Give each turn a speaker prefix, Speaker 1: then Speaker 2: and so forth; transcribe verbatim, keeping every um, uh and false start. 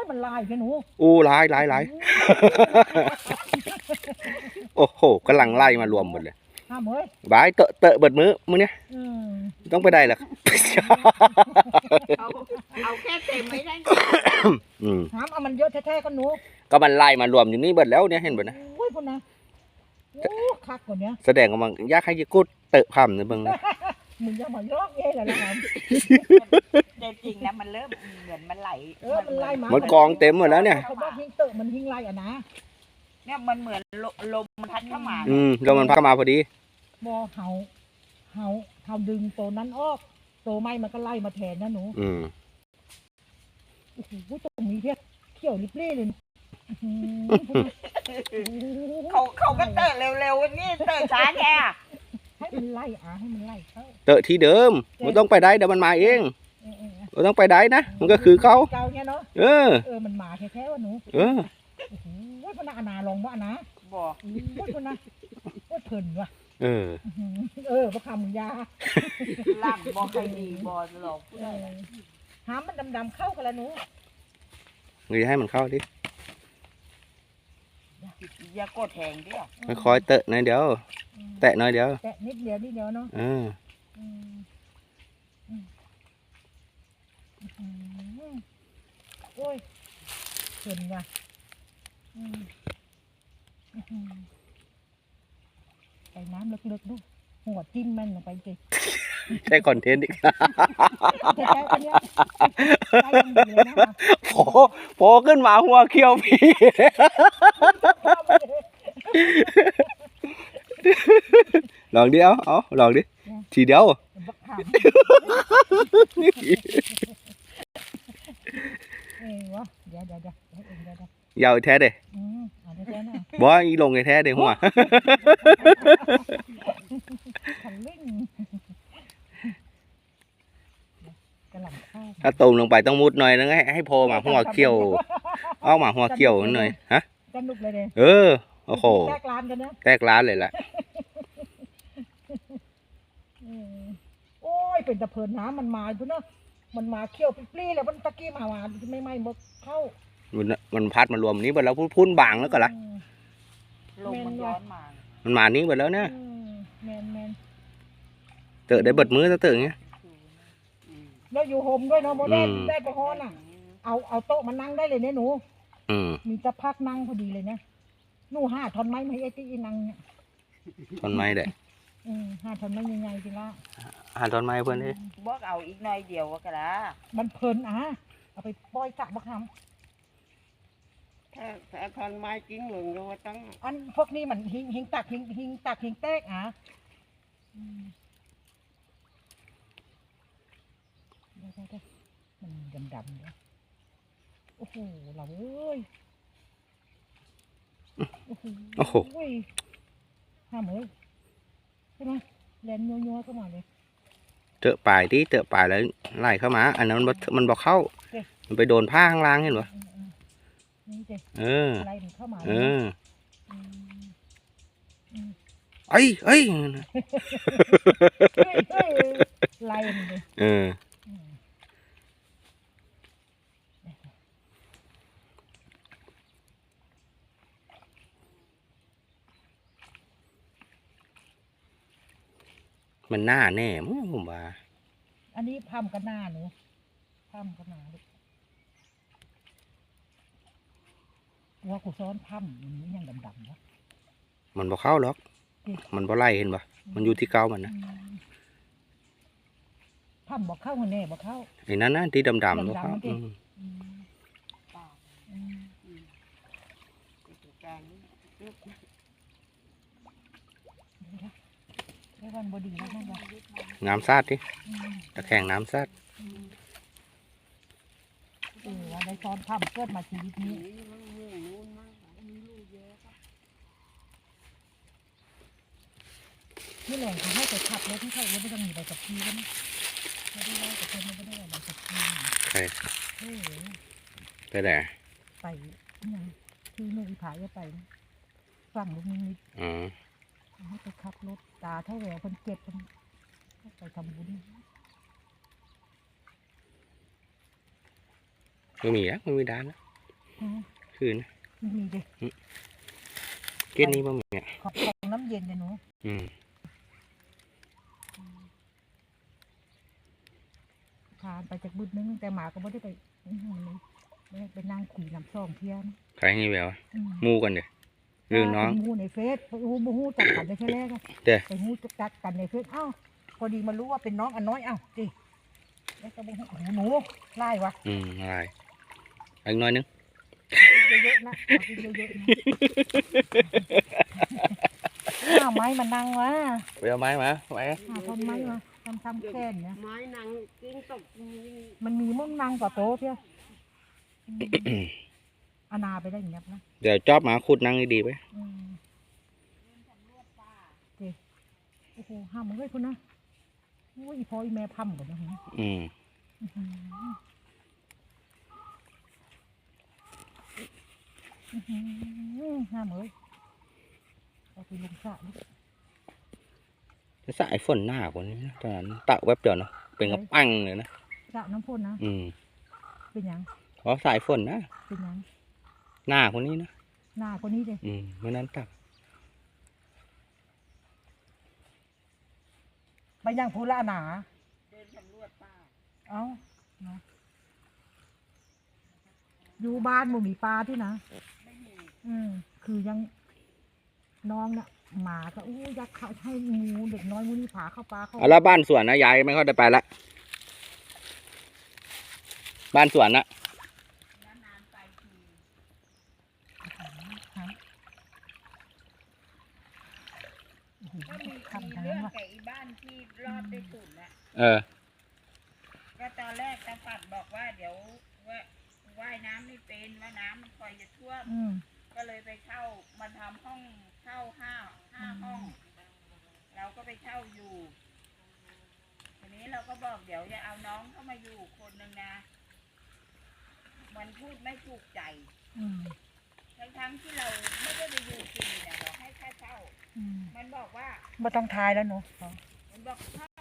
Speaker 1: มันลายแค่หนู
Speaker 2: อู้ลายลายลายโอ้โหกำลังไล่มารวมหมดเลย
Speaker 1: ห้ามเฮ้ย
Speaker 2: บายเตอะเตอะเบิดมือมือเนี้ยต้องไปได้หรอ
Speaker 3: เอาเอาแค่เต็มไม่ได้
Speaker 1: ห้ามเอามันเยอะแท้ๆก็หนู
Speaker 2: ก็มันไล่มารวมอยู่นี่เบิดแล้วเนี่ยเห็นเบิดนะ
Speaker 1: โอ้ยคนนะโอ้คักกว่านี้
Speaker 2: แสดงว่ามันยากให้ยิ่งกูเตอะพำเนี่ยเบิ่งนะ
Speaker 1: มึงจะมาลอกเย่เลยละครับ
Speaker 3: แต่จริงนะมันเริ่มเหมือนมันไหล
Speaker 1: เออมันไล่มา
Speaker 2: มันกองเต็มหมดแล้วเนี่ย
Speaker 1: เขาบอกหิ้งเตอะมันหิ้งไล่อ่ะนะ
Speaker 3: เนี่ยมันเหมือนลมพัดเข้ามา
Speaker 2: อืมลมมันพัดเข้ามาพอดี
Speaker 1: บอเฮาเฮาเฮาดึงตัวนั้นออกตัวไม้มันก็ไล่มาแทนนะหนู
Speaker 2: อืม
Speaker 1: โอ้โหตรงนี้เพี้ยเขี้ยวริบเล่เลย
Speaker 3: เขาเขาก็เตะเร็วๆนี่เตะช้าแค่
Speaker 1: ให้มันไล่อ่ะให้มันไล่เขา
Speaker 2: เตอะที่เดิมมันต้องไปได้เดี๋ยวมันมาเองมันต้องไปได้นะมันก็คือเขา
Speaker 1: เก่าเนี่ยเนาะ
Speaker 2: เออ
Speaker 1: เออมันมาแท้ๆวะหนู
Speaker 2: เออ
Speaker 1: โอ้โหว่าพนานาลองว่านะ
Speaker 3: บอก
Speaker 1: ว่าพนาว่าเพลินว่ะ
Speaker 2: เออ
Speaker 1: เออพระคำมึงยา
Speaker 3: ล่างบอกใครดีบอกหลอก
Speaker 1: หามันดำๆเข้ากันแล้วหนู
Speaker 2: เงยให้มันเข้าดิ
Speaker 3: อย่ากดแทงดิ
Speaker 2: ไม่คอยเตะหน่อยเดียวแตะหน่อยเดียว
Speaker 1: แตะนิดเดียวนิดเดียวเนาะ
Speaker 2: เออ
Speaker 1: โอ้ยเพลินว่ะไปน้ำลึกๆดูหัวจิ้มมันลงไปสิ
Speaker 2: ใช่คอนเทนต์อีกโผล่โผล่ขึ้นมาหัวเขียวพี่ลองดิเอาเอาลองดิทีเดียวยาวแท้เด้บ่อีลงไงแท้เด้หัวถ้าตูมลงไปต้องมุดหน่อยนะให้ให้พอมาหัวเขียวเอามาหัวเขียวหน่อยฮะเออโอ้โหแตกร้านกันนะแตกร้านเลยแหละ
Speaker 1: โอ้ยเป็นตะเพินน้ำมันมาพุ่นเนาะมันมาเขี้ยวปลี้แล้วมันตะกี้มาหวานไม่ไม่หมดเข้า
Speaker 2: มันมันพัดมารวมนี้หมดแล้วพุ่นบางแล้วก็ละ
Speaker 3: ลมมันย้อนมา
Speaker 2: มันมานี้หมดแล้วเนี่ย
Speaker 1: แมนแมน
Speaker 2: เตะได้เบิดมือซะเตะเงี้ย
Speaker 1: แล้วอยู่โฮมด้วยเนาะโมได้ได้กระห้อนอ่ะเอาเอาโต๊ะมานั่งได้เลยเนี่ยหนูมีจะพักนั่งพอดีเลยเนี่ยหนูห้าทอนไม้ไม่ไอ้ที่นั่งเนี่ย
Speaker 2: ทอนไม้เด้
Speaker 1: อืมห้าทอนไม้ยังไงจริงละ
Speaker 2: ห้าทอนไม้เพื่อนดิ
Speaker 3: บอกเอาอีกหน่อยเดียวก็ได้
Speaker 1: มันเพลินอ่ะเอาไปปล่อยสักบักค
Speaker 3: ำถ้าถ้าทอนไม้จริงหนึ่งเราต้อง
Speaker 1: อันพวกนี้มันหิงหิงตักหิงหิงตักหิงแตกอ่ะมันดำๆเนี่ยโอ้โหเราเอ้ย
Speaker 2: โอ้โห
Speaker 1: ห้ามเลยใช่ไหมแลนยัวๆเข้ามาเลย
Speaker 2: เจอปลายที่เจอปลายแล้วไล่เข้ามาอันนั้นมันมันบอกเข้ามันไปโดนผ้าข้างล่างเห็นปะเออ
Speaker 1: ไล่เข้ามา
Speaker 2: เออไอ้ไอ้
Speaker 1: ไล่เลย
Speaker 2: เออมันหน้าแน่มั้งผมว่า
Speaker 1: อันนี้พัมกันหน้าหนูพัมกันหน้าว่ากูซ้อนพัมมันยังดำๆนะ
Speaker 2: มันบ่เข้าหรอกมันบ่ไล่เห็นปะมันอยู่ที่เก้ามันนะ
Speaker 1: พัมบ่เข้าคนแน่บ่เข้า
Speaker 2: ไอ้นั่นนะที่ดำๆบ่เข้าน้ำซาดดิตะแคงน้ำซาด
Speaker 1: เออในตอนทำเกิดมาชีวิตนี้นี่แหละเขาให้ไปขับรถที่เขาไม่ต้องมีใบขับขี่กันไม่ได้ได้แต่คนไม่ได้ใบขับขี่
Speaker 2: ใช่ไปไหน
Speaker 1: ไปยังที่เมื่ออีผายก็ไปฝั่งลูกนิด
Speaker 2: อ๋อ
Speaker 1: ให้ไปขับรถตาเท่าแหวคนเจ็บคนไปทำบุญ
Speaker 2: ไม่มีอ่ะไม่มีด้านนะคืน
Speaker 1: มีดิ
Speaker 2: เก็ดนี้บ่มีอ่ะ
Speaker 1: ของของน้ำเย็นเนี่ยหนู
Speaker 2: อืม
Speaker 1: ทานไปจากบุญนึงแต่หมาก็ไม่ได้ไปอื้อหือเลยไปนั่งคุยน้ำซ่อมเพี้ยน
Speaker 2: ใครงี้แวว
Speaker 1: อืม
Speaker 2: มูกันเด้อหรือน้อง
Speaker 1: ไปหูในเฟซไปหูบูฮูจักกันในเฟซแรกอะ
Speaker 2: เด้อ
Speaker 1: ไปหูจักกันในเฟซเอ้าพอดีมารู้ว่าเป็นน้องอันน้อยเอ้าดิแล้วก็บูฮูหูหนูไล่วะ
Speaker 2: อืมอะไรอีกหน้อยนึง
Speaker 1: เยอะๆนะเอากินเยอะๆนะข้าวไม้มันนั่งวะ
Speaker 2: ไปเอาไม้มาไม้
Speaker 1: หาทำไม้มาทำทำแค่นเนี่ย
Speaker 3: ไม้นางกิ้งตกมี
Speaker 1: มันมีมุ่งนั่งต่อโต๊ะเพี้ยอืมอานาไปได้อย่างเงี้ยนะ
Speaker 2: เดี๋ยวจอบมาขุดนั่งดีๆไป
Speaker 1: อืมเจ๊โอ้โหห้ามมึงเลยคุณนะโอ้ยอีพ่ออีแม่พัมกันนะฮะ
Speaker 2: อืม
Speaker 1: อื้อหืออื้อหือห้ามเลยเอาไปลงสระดิ
Speaker 2: จะสายฝนหน้ากว่านี้นะตอนนั้นตะแวบเดียวเนาะเป็นกระปังเลยนะ
Speaker 1: สระน้ำพ่นนะ
Speaker 2: อืม
Speaker 1: เป็นหยัง
Speaker 2: เพราะสายฝนนะ
Speaker 1: เป็นหยัง
Speaker 2: หน้าคนนี้นะ
Speaker 1: หน้าคนนี้เลย
Speaker 2: อืมเมื่อนั้นตัก
Speaker 1: ไปยังพูละหนา
Speaker 3: เดินสำรวจป่า
Speaker 1: เอ้าเนาะอยู่บ้านบ่มีปลาที่นะ
Speaker 3: ไม่มี
Speaker 1: อืมคือยังน้องเนี่ยหมาก็อู้ยักษ์เขาให้งูเด็กน้อยงูนี่ผาเข้าปลาเข้า
Speaker 2: เอาแล้วบ้านสวนนะยายไม่ค่อยได้ไปละบ้านสวนนะ
Speaker 3: นานๆไปที
Speaker 1: ครับโอ้โห
Speaker 3: ก็มี
Speaker 1: ทำ
Speaker 3: มี
Speaker 1: ทั้ง
Speaker 3: เรื่
Speaker 1: นั้
Speaker 3: อน ง
Speaker 1: ว่ะ
Speaker 3: กับอีบ้านที่รอดได้ตุ่นน่ะ
Speaker 2: เออ
Speaker 3: ก็ตอนแรกตาปัดบอกว่าเดี๋ยวว่าว่ายน้ำไม่เป็นว่าน้ำมันคอยจะท่วม
Speaker 1: อืม
Speaker 3: ก็เลยไปเช่ามาทำห้องเช่าห้าห้าห้อง เราก็ไปเช่าอยู่ทีนี้เราก็บอกเดี๋ยวจะเอาน้องเข้ามาอยู่คนหนึ่งนะมันพูดไม่ถูกใจ
Speaker 1: อืม
Speaker 3: ทั้งๆที่เราไม่ได้ไปอยู่ฟรีเนี่ยเราให้ค่าเช่า
Speaker 1: อืม
Speaker 3: มันบอกว่า
Speaker 1: ไม่ต้องทายแล้วหนู
Speaker 3: มันบอก